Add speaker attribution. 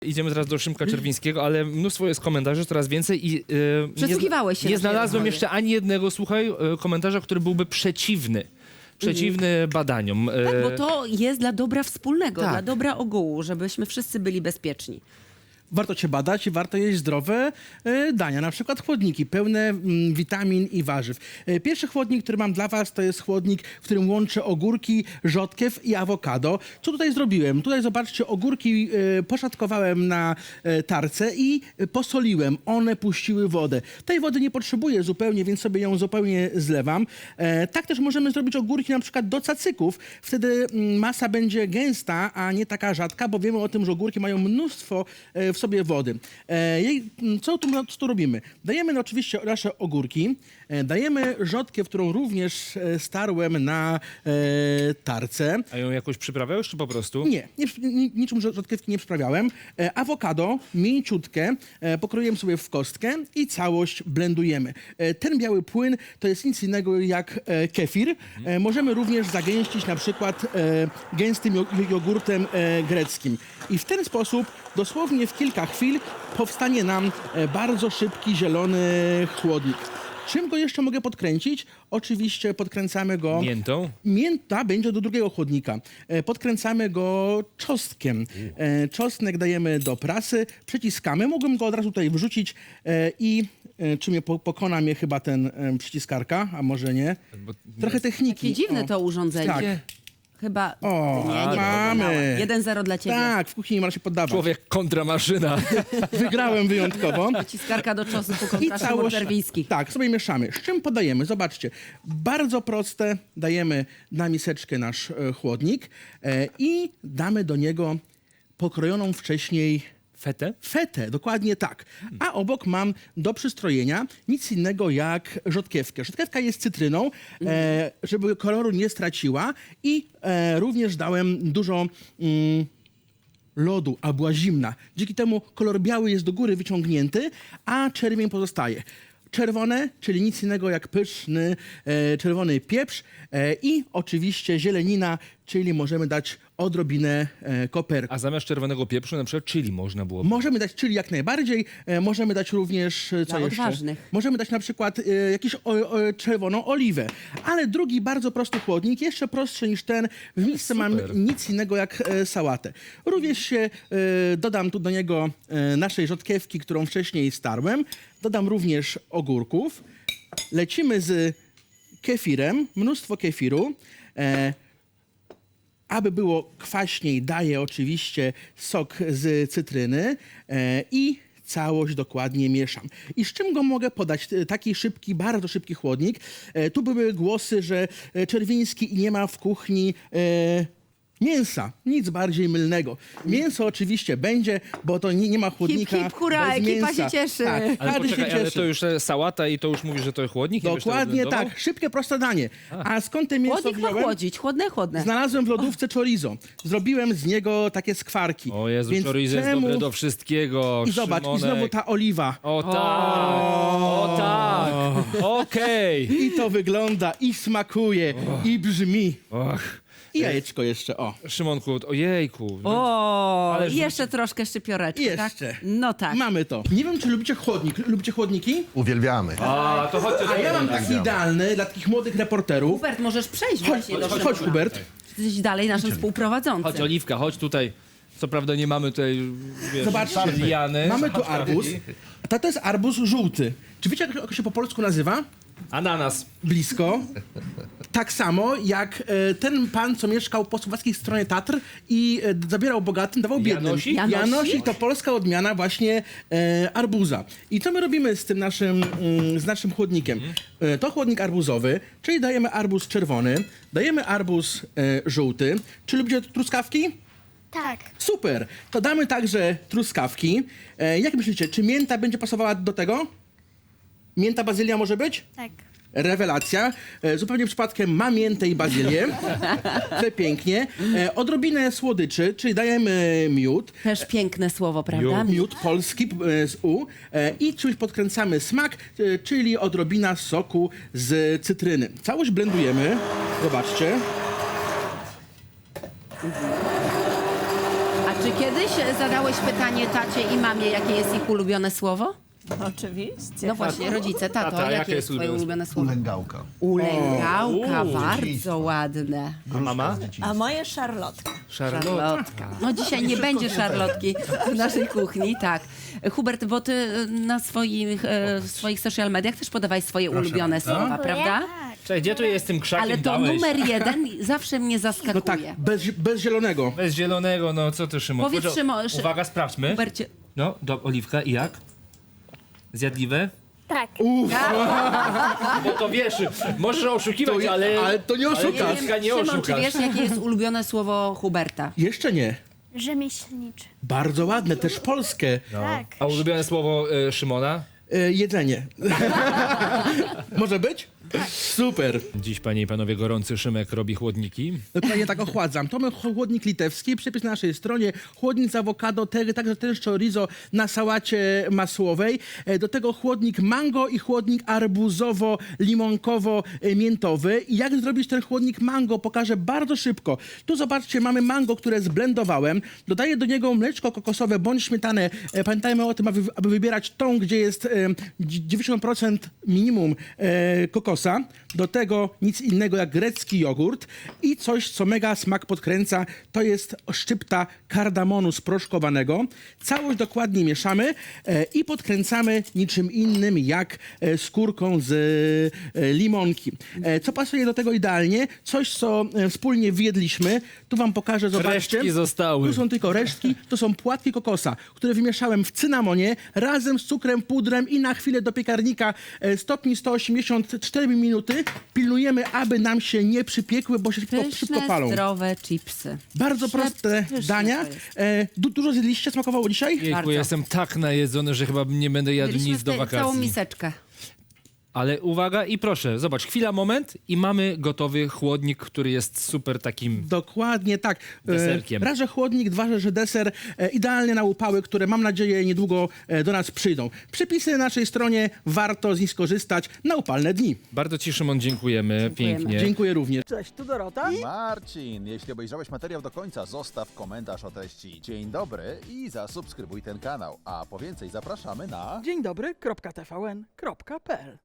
Speaker 1: Idziemy teraz do Szymka Czerwińskiego, ale mnóstwo jest komentarzy, coraz więcej i
Speaker 2: Przysłuchiwałeś się
Speaker 1: nie
Speaker 2: naszej
Speaker 1: znalazłem
Speaker 2: rozmowie.
Speaker 1: jeszcze ani jednego, słuchaj, komentarza, który byłby przeciwny badaniom.
Speaker 2: Tak, bo to jest dla dobra wspólnego,
Speaker 3: Tak.
Speaker 2: dla dobra ogółu, żebyśmy wszyscy byli bezpieczni.
Speaker 3: Warto się badać i warto jeść zdrowe dania, na przykład chłodniki pełne witamin i warzyw. Pierwszy chłodnik, który mam dla was, to jest chłodnik, w którym łączę ogórki, rzodkiew i awokado. Co tutaj zrobiłem? Tutaj zobaczcie, ogórki poszatkowałem na tarce i posoliłem. One puściły wodę. Tej wody nie potrzebuję zupełnie, więc sobie ją zupełnie zlewam. Tak też możemy zrobić ogórki na przykład do cacyków. Wtedy masa będzie gęsta, a nie taka rzadka, bo wiemy o tym, że ogórki mają mnóstwo w sobie wody. Co tu robimy? Dajemy oczywiście nasze ogórki, dajemy rzodkiew, którą również starłem na tarce.
Speaker 1: A ją jakoś przyprawiałeś, czy po prostu?
Speaker 3: Nie, niczym rzodkiewki nie przyprawiałem. Awokado, mięciutkie, pokroiłem sobie w kostkę i całość blendujemy. Ten biały płyn to jest nic innego jak kefir. Możemy również zagęścić na przykład gęstym jogurtem greckim. I w ten sposób dosłownie w kilka chwil powstanie nam bardzo szybki, zielony chłodnik. Czym go jeszcze mogę podkręcić? Oczywiście podkręcamy go...
Speaker 1: Miętą?
Speaker 3: Mięta będzie do drugiego chłodnika. Podkręcamy go czosnkiem. Czosnek dajemy do prasy, przyciskamy. Mogłem go od razu tutaj wrzucić i czy mnie pokona mnie chyba ten przyciskarka, a może nie. Trochę techniki.
Speaker 2: Takie dziwne
Speaker 3: O.
Speaker 2: to urządzenie.
Speaker 3: Tak.
Speaker 2: Chyba...
Speaker 3: O,
Speaker 2: nie
Speaker 3: mamy.
Speaker 2: 1-0 dla ciebie.
Speaker 3: Tak, w kuchni nie ma się poddawać.
Speaker 1: Człowiek kontra maszyna.
Speaker 3: Wygrałem wyjątkowo.
Speaker 2: Ciskarka do czosnku
Speaker 3: I
Speaker 2: kontra Szymon
Speaker 3: całość,
Speaker 2: Czerwiński.
Speaker 3: tak, sobie mieszamy. Z czym podajemy? Zobaczcie. Bardzo proste. Dajemy na miseczkę nasz chłodnik i damy do niego pokrojoną wcześniej
Speaker 1: Fetę?
Speaker 3: fetę, dokładnie tak. A obok mam do przystrojenia nic innego jak rzodkiewkę. Rzodkiewka jest cytryną, żeby koloru nie straciła i również dałem dużo lodu, a była zimna. Dzięki temu kolor biały jest do góry wyciągnięty, a czerwień pozostaje. Czerwone, czyli nic innego jak pyszny czerwony pieprz i oczywiście zielenina, czyli możemy dać odrobinę koperku.
Speaker 1: A zamiast czerwonego pieprzu na przykład chili można było.
Speaker 3: Możemy dać chili jak najbardziej, możemy dać również, co
Speaker 2: Dla
Speaker 3: jeszcze?
Speaker 2: odważnych.
Speaker 3: Możemy dać na przykład jakąś czerwoną oliwę. Ale drugi bardzo prosty chłodnik, jeszcze prostszy niż ten, w misce mam
Speaker 1: Super.
Speaker 3: nic innego jak sałatę. Również się dodam tu do niego naszej rzodkiewki, którą wcześniej starłem. Dodam również ogórków. Lecimy z kefirem, mnóstwo kefiru. Aby było kwaśniej, daję oczywiście sok z cytryny i całość dokładnie mieszam. I z czym go mogę podać? Taki szybki, bardzo szybki chłodnik. Tu były głosy, że Czerwiński nie ma w kuchni mięsa. Nic bardziej mylnego. Mięso oczywiście będzie, bo to nie ma chłodnika
Speaker 2: Hip, hip, hurra,
Speaker 3: bez
Speaker 2: ekipa
Speaker 3: mięsa.
Speaker 2: się cieszy.
Speaker 3: Tak,
Speaker 1: Ale
Speaker 3: każdy się
Speaker 1: poczekaj, ale
Speaker 3: cieszy.
Speaker 1: to już sałata i to już mówi, że to chłodnik? I byś to
Speaker 3: Dokładnie
Speaker 1: odblendował?
Speaker 3: tak. Szybkie, proste danie. A skąd te mięso
Speaker 2: Chłodnik ma
Speaker 3: wziąłem?
Speaker 2: chłodzić, chłodne.
Speaker 3: Znalazłem w lodówce chorizo. Zrobiłem z niego takie skwarki.
Speaker 1: O Jezu,
Speaker 3: Więc
Speaker 1: chorizo jest
Speaker 3: czemu-
Speaker 1: dobre do wszystkiego.
Speaker 3: I zobacz,
Speaker 1: Szymonek.
Speaker 3: i znowu ta oliwa.
Speaker 1: O tak, okej.
Speaker 3: I to wygląda, i smakuje, i brzmi.
Speaker 1: Och,
Speaker 3: I jajeczko jeszcze, o.
Speaker 1: Szymonku, ojejku.
Speaker 2: O,
Speaker 1: Ale
Speaker 2: i jeszcze troszkę szczypioreczki,
Speaker 3: Jeszcze.
Speaker 2: tak? No tak.
Speaker 3: Mamy to. Nie wiem, czy lubicie chłodnik. Lubicie chłodniki?
Speaker 4: Uwielbiamy.
Speaker 1: A, to chodźcie.
Speaker 3: A ja mam taki idealny dla takich młodych reporterów.
Speaker 2: Hubert, możesz przejść właśnie do
Speaker 3: Chodź,
Speaker 2: Szymona.
Speaker 3: Hubert.
Speaker 2: Jesteś dalej naszym współprowadzącym.
Speaker 1: Chodź, Oliwka, chodź tutaj. Co prawda nie mamy tutaj, wiesz,
Speaker 3: Zobaczcie.
Speaker 1: liany.
Speaker 3: Mamy tu arbuz. To jest arbuz żółty. Czy wiecie, jak się po polsku nazywa?
Speaker 1: Ananas.
Speaker 3: Blisko. Tak samo jak ten pan, co mieszkał po słowackiej stronie Tatr i zabierał bogatym, dawał biednym.
Speaker 1: Janosik?
Speaker 3: Janosik to polska odmiana właśnie arbuza. I co my robimy z tym naszym chłodnikiem? To chłodnik arbuzowy, czyli dajemy arbuz czerwony, dajemy arbuz żółty. Czy lubicie truskawki?
Speaker 5: Tak.
Speaker 3: Super! To damy także truskawki. Jak myślicie, czy mięta będzie pasowała do tego? Mięta, bazylia może być?
Speaker 5: Tak.
Speaker 3: Rewelacja. Zupełnie przypadkiem ma miętę i bazylię. Przepięknie. Odrobinę słodyczy, czyli dajemy miód.
Speaker 2: Też piękne słowo, prawda?
Speaker 3: Miód polski z U. I czymś podkręcamy smak, czyli odrobina soku z cytryny. Całość blendujemy. Zobaczcie.
Speaker 2: A Czy kiedyś zadałeś pytanie tacie i mamie, jakie jest ich ulubione słowo?
Speaker 4: Oczywiście.
Speaker 2: No właśnie, rodzice, tato,
Speaker 1: Tata,
Speaker 2: jakie
Speaker 1: jakie
Speaker 2: jest
Speaker 1: jest
Speaker 2: twoje ulubione słowo?
Speaker 5: Ulęgałka.
Speaker 2: Ulęgałka, bardzo ładne.
Speaker 1: A mama?
Speaker 4: A moje szarlotka.
Speaker 2: Szarlotka. No dzisiaj nie będzie szarlotki w naszej kuchni, tak. Hubert, bo ty na swoich social mediach też podawaj swoje ulubione słowa, prawda?
Speaker 1: Cześć, gdzie tu jest tym krzakiem
Speaker 2: Ale to
Speaker 1: dałeś?
Speaker 2: numer 1 zawsze mnie
Speaker 3: No tak,
Speaker 2: zaskakuje.
Speaker 3: bez zielonego.
Speaker 1: Bez zielonego, no co ty, Szymon?
Speaker 2: Powiedz,
Speaker 1: Proszę,
Speaker 2: Szymon,
Speaker 1: uwaga, sprawdźmy.
Speaker 2: Hubercie,
Speaker 1: No, oliwka i jak? Zjadliwe?
Speaker 6: Tak.
Speaker 1: Bo to wiesz, możesz oszukiwać, ale
Speaker 3: to nie oszukasz.
Speaker 1: oliwka nie
Speaker 2: Szymon, czy
Speaker 1: oszukasz.
Speaker 2: wiesz, jakie jest ulubione słowo Huberta?
Speaker 3: Jeszcze nie.
Speaker 6: Rzemieślniczy.
Speaker 3: Bardzo ładne, też polskie.
Speaker 6: Tak.
Speaker 1: A ulubione słowo Szymona?
Speaker 3: Jedzenie. Może być? Super.
Speaker 1: Dziś, panie i panowie, gorący Szymek robi chłodniki.
Speaker 3: Dokładnie tak ochładzam. To mamy chłodnik litewski, przepis na naszej stronie. Chłodnik z awokado, także też chorizo na sałacie masłowej. Do tego chłodnik mango i chłodnik arbuzowo-limonkowo-miętowy. I jak zrobić ten chłodnik mango, pokażę bardzo szybko. Tu zobaczcie, mamy mango, które zblendowałem. Dodaję do niego mleczko kokosowe bądź śmietanę. Pamiętajmy o tym, aby wybierać tą, gdzie jest 90% minimum kokosa. Do tego nic innego jak grecki jogurt i coś, co mega smak podkręca, to jest szczypta kardamonu sproszkowanego. Całość dokładnie mieszamy i podkręcamy niczym innym jak skórką z limonki. Co pasuje do tego idealnie? Coś, co wspólnie wyjedliśmy. Tu wam pokażę, zobaczcie.
Speaker 1: Resztki zostały.
Speaker 3: Tu są tylko resztki. To są płatki kokosa, które wymieszałem w cynamonie razem z cukrem, pudrem i na chwilę do piekarnika stopni 184 minuty. Pilnujemy, aby nam się nie przypiekły, bo się szybko
Speaker 2: Pyszne,
Speaker 3: palą.
Speaker 2: zdrowe chipsy.
Speaker 3: Bardzo proste
Speaker 2: Pyszne
Speaker 3: dania.
Speaker 2: to jest.
Speaker 3: Dużo zjedliście? Smakowało dzisiaj?
Speaker 1: Jejku,
Speaker 2: Bardzo.
Speaker 1: jestem tak najedzony, że chyba nie będę jadł
Speaker 2: Mieliśmy
Speaker 1: nic do
Speaker 2: całą
Speaker 1: wakacji.
Speaker 2: miseczkę.
Speaker 1: Ale uwaga i proszę, zobacz, chwila, moment i mamy gotowy chłodnik, który jest super takim...
Speaker 3: Dokładnie tak.
Speaker 1: Deserkiem.
Speaker 3: Raz, że chłodnik, dwa, że deser. Idealnie na upały, które mam nadzieję niedługo do nas przyjdą. Przepisy na naszej stronie, warto z nich skorzystać na upalne dni.
Speaker 1: Bardzo ci, Szymon, dziękujemy. Pięknie.
Speaker 3: Dziękuję również.
Speaker 4: Cześć, tu Dorota.
Speaker 5: Marcin, jeśli obejrzałeś materiał do końca, zostaw komentarz o treści. Dzień dobry i zasubskrybuj ten kanał. A po więcej zapraszamy na...
Speaker 4: Dzień dobry, .tvn.pl